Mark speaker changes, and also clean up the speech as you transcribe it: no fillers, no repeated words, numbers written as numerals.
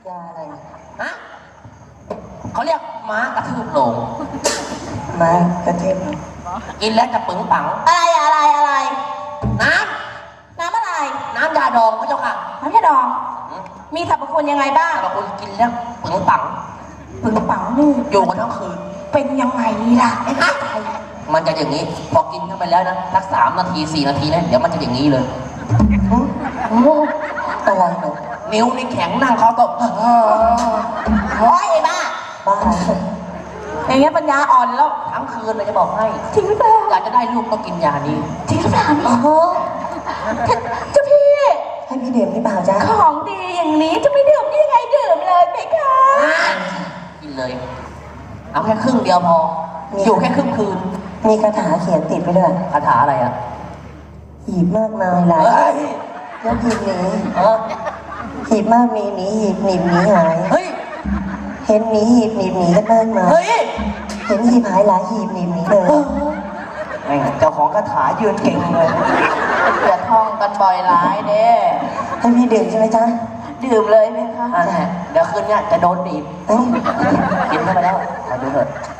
Speaker 1: ยาอะไร
Speaker 2: ฮะเขาเรียกม้ากระทืบโลง
Speaker 1: ไม้กระเทียม
Speaker 2: กินแล้วจะปึงปัง
Speaker 3: อะไร
Speaker 2: น้
Speaker 3: น้ำอะไร
Speaker 2: ำน้ำยาดองพระเจ้าค่ะ
Speaker 3: น้ำยาดองมีสรรพคุณยังไงบ้าง
Speaker 2: แต่บางคนกินแล้วปึงปัง
Speaker 3: ปึงปังนี่
Speaker 2: อยู่กันทั้งคืน
Speaker 3: เป็นยังไงล่ะ
Speaker 2: มันจะอย่างนี้ พอกินเข้าไปแล้วนะสัก3 นาที 4 นาทีนะเดี๋ยวมันจะอย่างนี้เลย
Speaker 1: อะไรหนู
Speaker 2: นิ้วนี่แข็งนั่งเขาตบ
Speaker 3: โอ้ยไอ้บ้า
Speaker 1: บ้า
Speaker 3: อย่างเงี้ยปัญญาอ่อนแล้ว
Speaker 2: ทั้งคืนเลยจะบอกให้
Speaker 3: จริงหรือเปล่า
Speaker 2: อยากจะได้ลูกก็กินยานี้
Speaker 3: จริงหรือเปล่า
Speaker 1: โอ้โห
Speaker 3: เจ้าพี่
Speaker 1: ให้พี่ดื่มหรือเปล่าจ๊ะ
Speaker 3: ของดีอย่างนี้จะไม่ดื่มได้ยังไงดื่มเลยไหมคะ
Speaker 2: กินเลย เอาแค่ครึ่งเดียวพอ อยู่แค่ครึ่งคืน
Speaker 1: มีคาถาเขียนติดไปด้วย
Speaker 2: คาถาอะไรอ่ะ
Speaker 1: หีบมากมายหลาย
Speaker 2: เฮ้ย
Speaker 1: แล้วหีบหนี
Speaker 2: เออ
Speaker 1: หีบมากมีหนีหีบหนีบหนีหาย
Speaker 2: เฮ้ย
Speaker 1: เห็นหนีหีบหนีบหนีกันมากมาย
Speaker 2: เฮ้ย
Speaker 1: เห็นหีบหายหลายหีบหนีบหนีเลย
Speaker 2: แม่งเจ้าของคาถายืนเก่งเลยอย่าท่องกันบ่อยหลายเด้
Speaker 1: ให้พี่ดื่มใช่ไหมจ๊ะ
Speaker 3: ดื่มเลยไหมคะ
Speaker 2: อันนี้เดี๋ยวคืนเนี้ยจะโดนหนีบ
Speaker 1: เอ้ย
Speaker 2: กินเข้าไปแล้วขอดูเถอะ